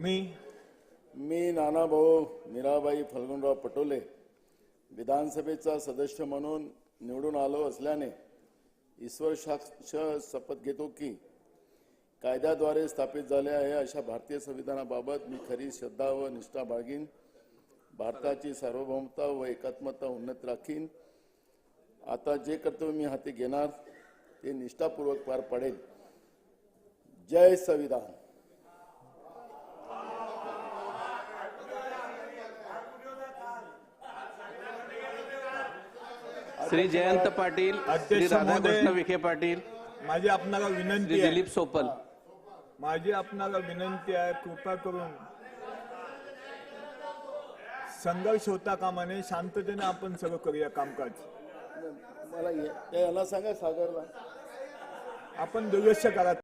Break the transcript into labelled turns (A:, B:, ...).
A: मी नानाभाऊ मीराबाई फल्गुनराव पटोले विधानसभेचा सदस्य म्हणून निवडून आलो असल्याने ईश्वर साक्ष शपथ घेतो की कायद्याद्वारे स्थापित झाले आहे अशा भारतीय संविधानाबाबत मी खरी श्रद्धा व निष्ठा बाळगीन, भारताची सार्वभौमता व एकात्मता उन्नत राखीन। आता जे कर्तव्य मी हाती घेणार ते निष्ठापूर्वक पार पाडेल। जय संविधान।
B: श्री जयंत पाटील, श्री राधाकृष्ण विखे पाटील,
C: माझी आपणाला विनंती आहे,
B: दिलीप सोपल,
C: माझी आपणाला विनंती आहे, कृपा करून संघर्ष होता कामा नये, शांततेने आपण सगळं करूया कामकाज।
A: मला याला सांगा सागरला
C: आपण दुर्लक्ष करा।